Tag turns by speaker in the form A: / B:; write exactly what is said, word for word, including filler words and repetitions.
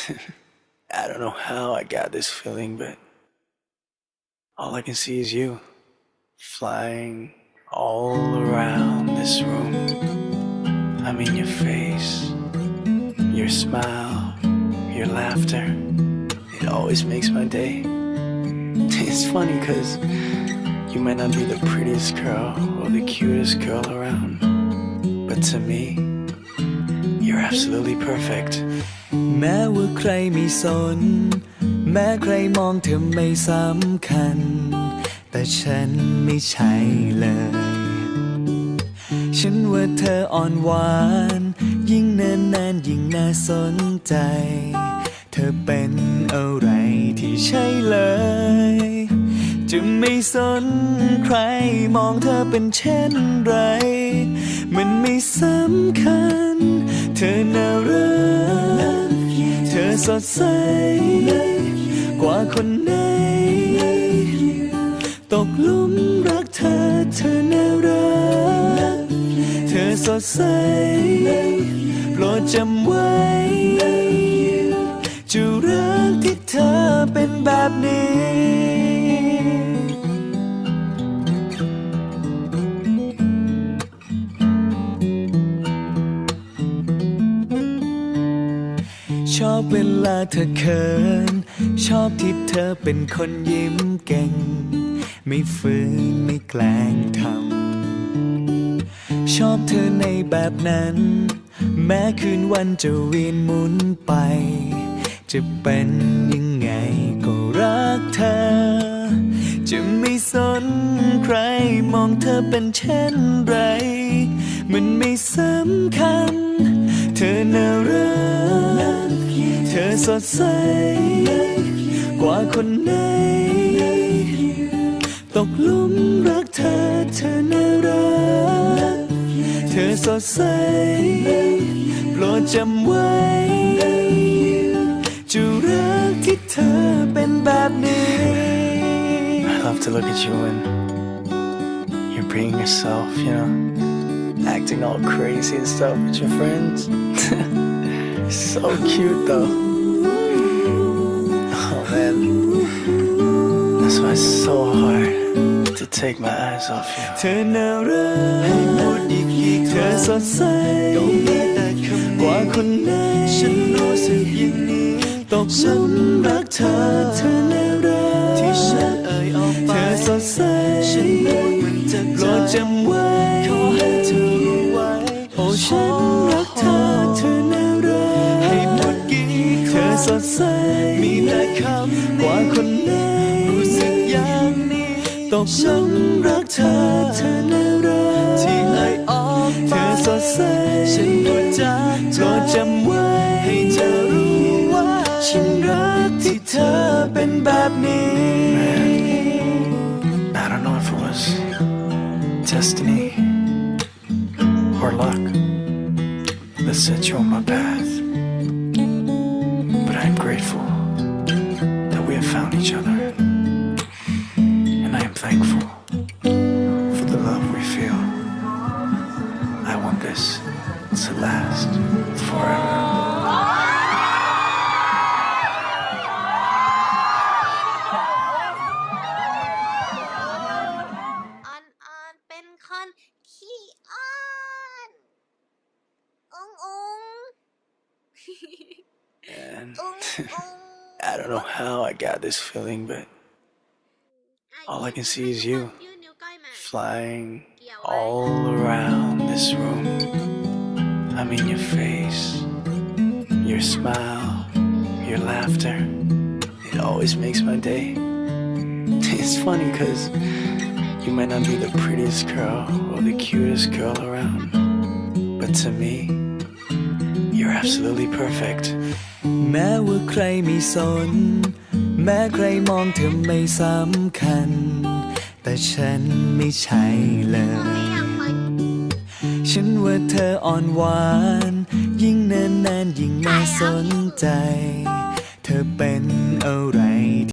A: I don't know how I got this feeling, but all I can see is you flying all around this room. I mean your face, your smile, your laughter. It always makes my day. It's funny cause you might not be the prettiest girl or the cutest girl around, but to me, you're absolutely perfect.
B: แม้ว่าใครไม่สนแม้ใครมองเธอไม่สำคัญแต่ฉันไม่ใช่เลยฉันว่าเธออ่อนหวานยิ่งเนิ่นนานยิ่งน่าสนใจเธอเป็นอะไรที่ใช่เลยจะไม่สนใครมองเธอเป็นเช่นไรมันไม่สำคัญเธอน่ารักเธอสดใสกว่าคนไหนตกหลุมรักเธอเธอน่ารักเธอสดใสโปรดจำไว้จะรักที่เธอเป็นแบบนี้ชอบเวลาเธอเขินชอบที่เธอเป็นคนยิ้มเก่งไม่ฝืนไม่แกล้งทำชอบเธอในแบบนั้นแม้คืนวันจะเวียนหมุนไปจะเป็นยังไงก็รักเธอจะไม่สนใครมองเธอเป็นเช่นไรมันไม่สำคัญเธอน่ารักเธอสดใสกว่าคนไหนตกหลุมรักเธอเธอน่ารักเธอสดใสโปรดจำไว้จะรักที่เธอเป็นแบบนี้
A: I love to look at you when you're being yourself, you know, acting all crazy and stuff with your friends. So cute though. Oh man, that's why it's so hard to take my eyes off you.
B: เธอน่ารักให้หมดอีกอีกเธอสดใสกว่าคนไหนฉันรู้สึกอย่างนี้ตกหลุมรักเธอเธอน่ารักที่ฉันเอ่ยออกไปเธอสดใสฉันพูดมันจะโปรดจำไว้ขอให้เธอรู้ไว้โอ้ฉันรักเธอเธอน่ารักให้หมดกี่เธอสดใสมีแต่คำกว่าคนไหนรู้สึกอย่างนี้ตกหลุมรักเธอเธอน่ารักที่เอ่ยออกไปเธอสดใสฉันพูดจากโปรดจำไว้ให้เธอรู้ว่าฉันรักที่เธอเป็นแบบนี้
A: Man, I don't know if it was destiny or luck that set you on my path, but I am grateful that we have found each other, and I am thankful for the love we feel. I want this to last forever.
C: ออนออนเป็นคนขี้อ้อนององ
A: And
C: ององ
A: I don't know how I got this feeling, but all I can see is you
C: ยื่นนิ้วก้อยมา
A: flying all around this room. I mean your face, your smile, your laughter. It always makes my day. It's funny cause you might not be the prettiest girl or the cutest girl around, but to me, you're absolutely perfect.
B: แม้ว่าใครไม่สนแม้ใครมองเธอไม่สำคัญแต่ฉันไม่ใช่เลยฉันว่าเธออ่อนหวานยิ่งเนิ่นนานยิ่งน่าสนใจเธอเป็นอะไร